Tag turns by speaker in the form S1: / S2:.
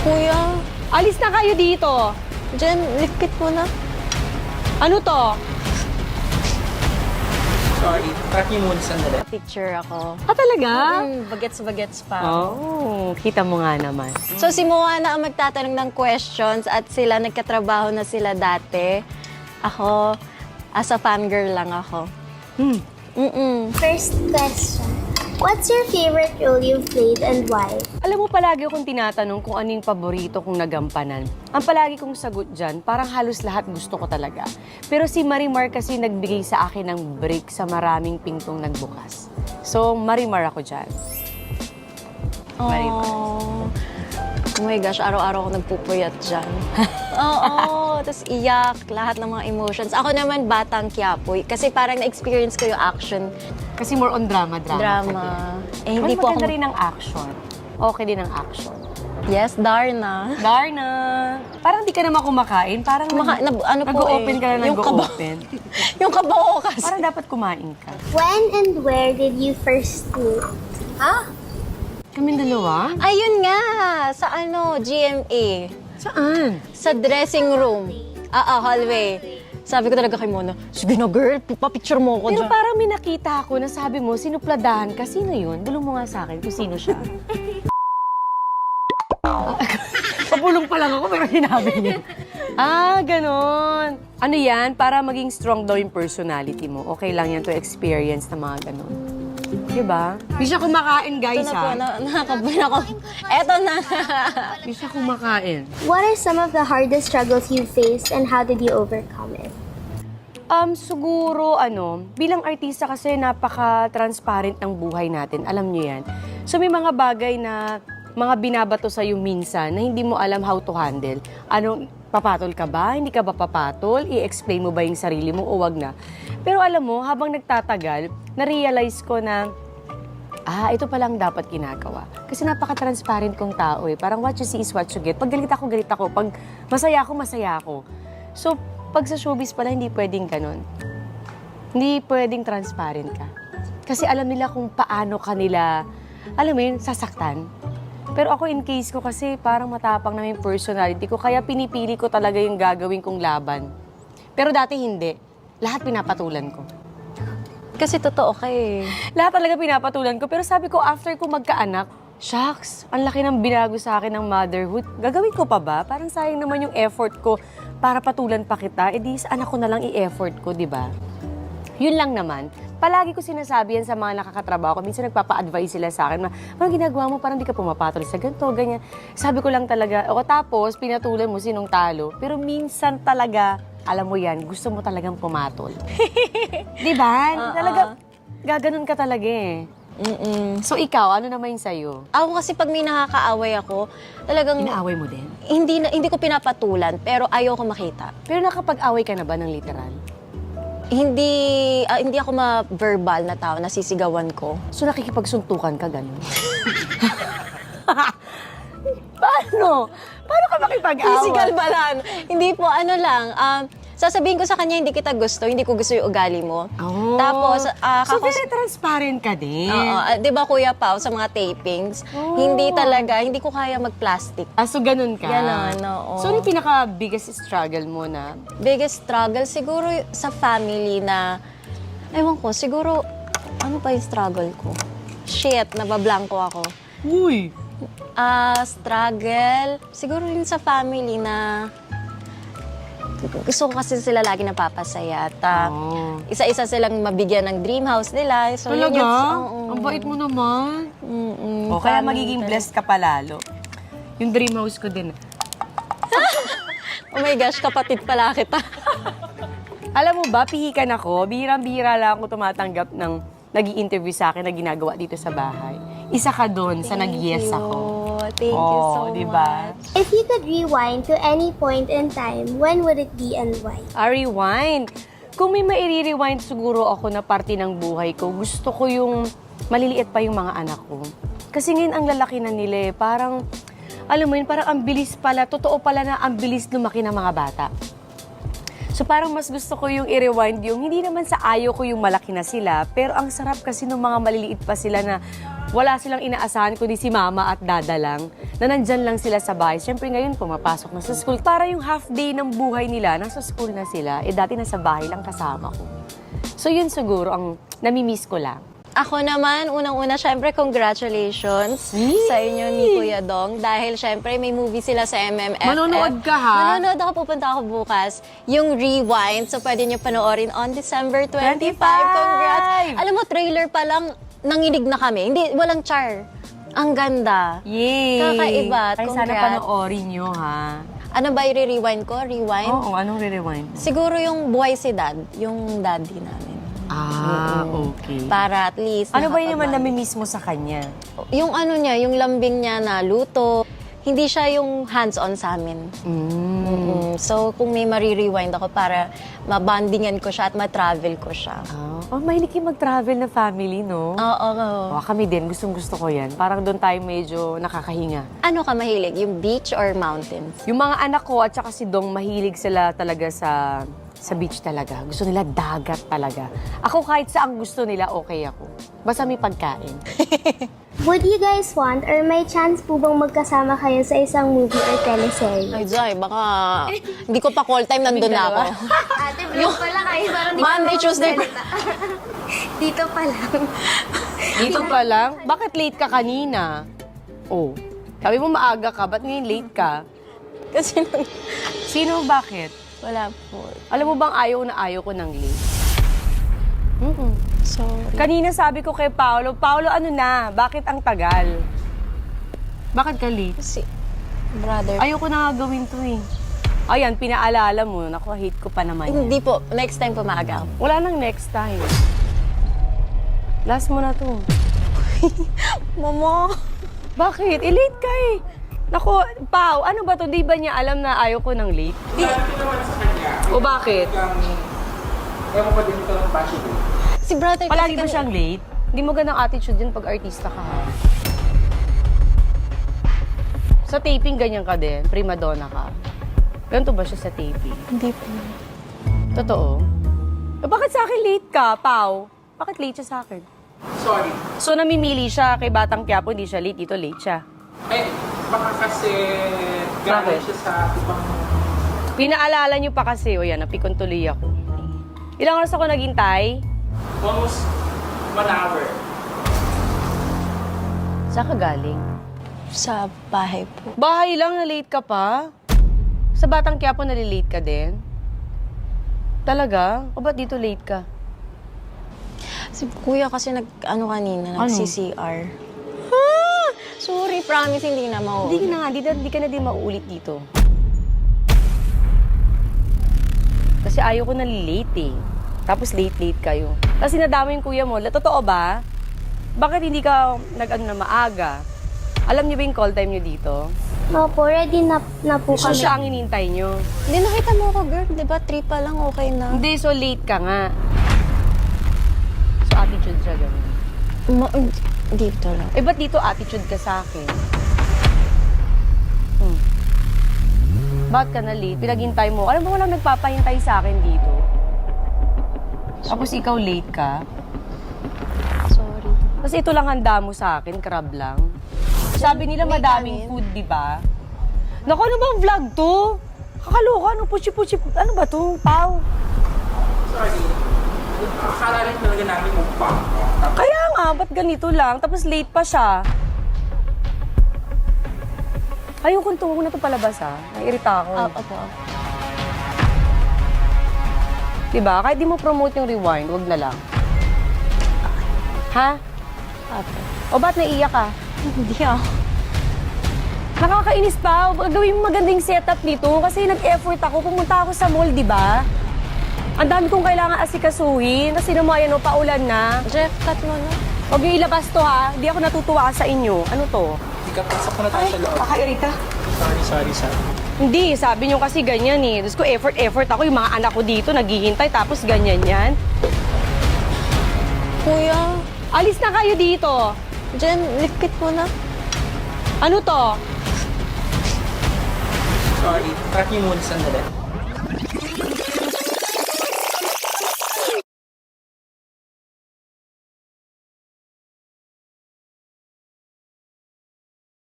S1: Kuya,
S2: Alis na kayo dito.
S1: Jen, likpit mo na.
S2: Ano to?
S3: Sorry, track niyo muna sandali.
S1: Picture ako.
S2: Talaga?
S1: Bagets-bagets pa.
S2: Oh, kita mo nga naman.
S1: So si Moana ang magtatanong ng questions at sila nagkatrabaho na sila dati. Ako, as a fangirl lang ako.
S4: First question. What's your favorite role you've played and why?
S2: Alam mo, palagi akong tinatanong kung ano yung paborito kong nagampanan. Ang palagi kong sagot dyan, parang halos lahat gusto ko talaga. Pero si Marimar kasi nagbigay sa akin ng break sa maraming pintong nagbukas. So, Marimar ako dyan. Marimar.
S1: Oh my gosh, araw-araw ako nagpupuyat dyan. Oo, tapos iyak, lahat ng mga emotions. Ako naman, Batang Quiapo. Kasi parang na-experience ko yung action.
S2: Kasi more on drama.
S1: Drama. Eh, hindi
S2: Mas
S1: po
S2: maganda
S1: ako...
S2: rin ang action. Okay din ang action.
S1: Yes, Darna.
S2: Darna! Parang di ka naman kumakain. Parang
S1: Ano po
S2: nag-open ka na
S1: yung kaba-
S2: nag-open.
S1: Yung kabaho kasi.
S2: Parang dapat kumain ka.
S4: When and where did you first meet?
S2: Kaming dalawa?
S1: Ayun nga, sa GMA.
S2: Saan?
S1: Sa dressing room. Hallway. Sabi ko talaga kay Mona, sige na girl, papicture mo ako
S2: Pero
S1: dyan.
S2: parang may nakita ako na sabi mo, sinupladahan ka. Sino yun? Bulong mo nga sa akin kung sino siya. Pabulong pa lang ako pero sinabi niya. Ganon. Ano yan? Para maging strong daw yung personality mo. Okay lang yan to experience na mga ganon. Diba? Di siya kumakain, guys,
S1: Ito na po, nakakabay ako. Eto na.
S2: Di siya kumakain.
S4: What are some of the hardest struggles you faced and how did you overcome it?
S2: Siguro, bilang artista kasi napaka-transparent ng buhay natin. Alam niyo yan. So, may mga bagay na mga binabato sa'yo minsan na hindi mo alam how to handle. Papatol ka ba? Hindi ka ba papatol? I-explain mo ba yung sarili mo o wag na? Pero alam mo, habang nagtatagal, na-realize ko na, ito palang dapat ginagawa. Kasi napaka-transparent kong tao eh. Parang what you see is what you get. Pag galit ako, galit ako. Pag masaya ako, masaya ako. So, pag sa showbiz pala, hindi pwedeng ganun. Hindi pwedeng transparent ka. Kasi alam nila kung paano kanila, alam mo yun, sasaktan. Pero ako in case ko kasi parang matapang na yung personality ko, kaya pinipili ko talaga yung gagawin kong laban. Pero dati hindi. Lahat pinapatulan ko.
S1: Kasi totoo ka eh.
S2: Lahat talaga pinapatulan ko. Pero sabi ko, after ko magkaanak, shucks, ang laki ng binago sa akin ng motherhood. Gagawin ko pa ba? Parang sayang naman yung effort ko para patulan pa kita. Sa anak ko na lang i-effort ko, di ba? Yun lang naman. Palagi ko sinasabi yan sa mga nakakatrabaho ko. Minsan nagpapa-advise sila sa akin, parang ginagawa mo, parang di ka pumapatol sa ganito, ganyan. Sabi ko lang talaga, tapos pinatulan mo sinong talo. Pero minsan talaga, alam mo yan, gusto mo talagang pumatol. Di ba? Talaga, gaganon ka talaga eh. So ikaw, ano naman yung sa'yo?
S1: Ako kasi pag may nakakaaway ako, talagang
S2: Inaaway mo din?
S1: hindi ko pinapatulan, pero ayaw ko makita.
S2: Pero nakapag-away ka na ba ng literal?
S1: Hindi ako ma-verbal na tao, nasisigawan ko.
S2: So nakikipagsuntukan ka, gano'n? Paano? Paano ka makipag-away?
S1: Physical ba lang? Hindi po, sasabihin ko sa kanya, hindi kita gusto, hindi ko gusto yung ugali mo.
S2: Oh.
S1: Tapos,
S2: so very transparent ka din.
S1: di ba Kuya Pao, sa mga tapings, hindi ko kaya mag-plastic.
S2: So ganun ka?
S1: Ganon, oo.
S2: So ano yung pinaka-biggest struggle mo na?
S1: Biggest struggle, siguro sa family na, ewan ko, siguro, ano pa yung struggle ko? Shit, nabablanko ako.
S2: Uy!
S1: Struggle, siguro rin sa family na gusto ko kasi sila lagi napapasaya at isa-isa silang mabigyan ng dream house nila. So,
S2: Talaga?
S1: oo.
S2: Ang bait mo naman. Kaya magiging blessed ka palalo. Yung dream house ko din.
S1: Oh my gosh, kapatid pala kita.
S2: Alam mo ba, pihikan ako. Bihirang-bihira lang ako tumatanggap ng nag-i-interview sa akin na ginagawa dito sa bahay. Isa ka doon sa nag-yes ako.
S1: Thank you so
S2: diba?
S1: much.
S4: If you could rewind to any point in time, when would it be and why?
S2: Rewind. Kung may mairi-rewind siguro ako na parte ng buhay ko, gusto ko yung maliliit pa yung mga anak ko. Kasi ngayon ang lalaki na nila eh. Parang, alam mo yun, parang ang bilis pala, totoo pala na ang bilis lumaki ng mga bata. So parang mas gusto ko yung i-rewind yung, hindi naman sa ayaw ko yung malaki na sila, pero ang sarap kasi ng mga maliliit pa sila na Wala silang inaasahan kundi si mama at dada lang, na nandyan lang sila sa bahay. Siyempre ngayon, pumapasok na sa school. Para yung half day ng buhay nila, nasa school na sila, dati nasa bahay lang kasama ko. So yun siguro ang namimiss ko lang.
S1: Ako naman, unang-una, syempre, congratulations sa inyo ni Kuya Dong. Dahil syempre, may movie sila sa MMFF.
S2: Manonood ka, ha?
S1: Manonood ako, pupunta ako bukas. Yung Rewind, so pwede nyo panoorin on December 25.
S2: 25!
S1: Congrats! Alam mo, trailer pa lang, nanginig na kami. Hindi, walang char. Ang ganda.
S2: Yay!
S1: Kakaiba.
S2: Ay, sana
S1: Congrats.
S2: panoorin nyo, ha?
S1: Ano ba i-rewind ko? Rewind?
S2: Oo, anong re-rewind?
S1: Siguro yung buhay si Dad, yung daddy namin.
S2: Okay.
S1: Para at least
S2: Ano ba yun naman
S1: nakapag-bond.
S2: namimiss mo sa kanya?
S1: Yung ano niya, yung lambing niya na luto, hindi siya yung hands-on sa amin. So, kung may marirewind ako para mabandingan ko siya at matravel ko siya.
S2: Oh, mahilig kayo mag-travel na family, no?
S1: Oo.
S2: Oh, kami din, gustong-gusto ko yan. Parang doon tayo medyo nakakahinga.
S1: Ano ka mahilig? Yung beach or mountains?
S2: Yung mga anak ko at saka si Dong, mahilig sila talaga sa beach talaga. Gusto nila dagat talaga. Ako kahit saan gusto nila, okay ako. Basta may pagkain.
S4: Would you guys want or may chance po bang magkasama kayo sa isang movie or teleserye?
S1: Ay, Zay, baka hindi ko pa call time, nandun na ako.
S4: Ate, vlog pala kayo. Parang
S1: Monday, Tuesday.
S4: Dito pa lang.
S2: Dito pa lang? Bakit late ka kanina? Oh, sabi mo maaga ka, ba't ngayon late ka?
S1: Kasi
S2: Sino, bakit?
S1: wala po.
S2: Alam mo bang ayaw ko ng late?
S1: Sorry.
S2: Kanina sabi ko kay Paolo, ano na? Bakit ang tagal? Bakit ka late?
S1: Kasi, brother.
S2: Ayoko na nga gawin to eh. Ayan, pinaalala mo. Naku, hate ko pa naman yan.
S1: Hindi po. Next time po maaga ako.
S2: Wala nang next time. Last mo na to.
S1: Mama.
S2: Bakit? Late ka eh. Naku, Pao, ano ba to? Di ba niya alam na ayaw ko ng late? O bakit?
S3: Ewan ko din ito ng passion ko.
S1: Si brother
S2: Palagi ba
S1: kasi
S2: siyang late? Hindi mo ganang attitude yun pag artista ka ha. Sa taping, ganyan ka din. Prima donna ka. Ganito ba siya sa taping?
S1: Hindi po.
S2: Totoo? Bakit sa akin late ka, Pao? Bakit late siya sa akin?
S3: Sorry.
S2: So, namimili siya kay Batang Quiapo, hindi siya late. Dito late siya.
S3: Eh, baka kasi galing siya sa ibang...
S2: Pinaalala niyo pa kasi, o yan, napikon tuloy ako. Ilang oras ako naghintay?
S3: Almost 1 hour.
S2: Saan ka galing?
S1: Sa bahay po.
S2: Bahay lang, na late ka pa? Sa Batang Quiapo, nalilate ka din? Talaga? O ba't dito late ka?
S1: Si kuya kasi nag-ano kanina,
S2: Ano?
S1: nag-CCR. Sorry, promise, hindi na
S2: Hindi ka na nga, hindi ka na din mauulit dito. Kasi ayaw ko nalilate eh. Tapos late kayo. Tapos sinadama yung kuya mo. Totoo ba? Bakit hindi ka nag-ano na maaga? Alam niyo ba yung call time niyo dito?
S4: Opo, ready na po
S2: So
S4: kami.
S2: siya ang inintay niyo.
S1: Hindi, nakita mo ako, girl. Di ba, 3 pa lang, okay na.
S2: Hindi, so late ka nga. So attitude siya ganun.
S1: Dito lang.
S2: Eh, ba't dito attitude ka sa akin? Ba't ka na late? Pinaghintay mo. Alam mo, walang nagpapahintay sa akin dito. Tapos ikaw late ka.
S1: Sorry.
S2: Kasi ito lang handa mo sa akin, crab lang. Sabi nila
S1: may
S2: madaming
S1: kanin.
S2: food, di ba? Naku, ano bang vlog to? Kakaloka, ano puchi-puchi, ano ba to, Pao?
S3: Sorry. Akala rin talaga namin mukbang.
S2: Kaya nga, ba't ganito lang? Tapos late pa siya. Ayokong tungo na to palabas, ha? Nairita ako.
S1: Opo.
S2: Diba? Kahit di mo promote yung rewind, wag na lang. Ha?
S1: Opo.
S2: O ba't naiyak ka?
S1: Hindi ako.
S2: Nakakainis pa. Gawin mo magandang setup dito kasi nag-effort ako. Pumunta ako sa mall, di ba? Ang dami kong kailangan asikasuhin. Kasi naman, yan, paulan na.
S1: Jeff, cut mo na.
S2: Huwag niyo ilabas to, ha? Di ako natutuwa sa inyo. Ano to?
S3: Ikapasok ko na tayo sa loob.
S2: Kakairita.
S3: Sorry.
S2: Hindi, sabi niyo kasi ganyan eh. Tapos ko effort ako. Yung mga anak ko dito, naghihintay. Tapos ganyan yan.
S1: Kuya,
S2: Alis na kayo dito.
S1: Jen, likpit mo na.
S2: Ano to?
S3: Sorry. Track niyo muna sandali.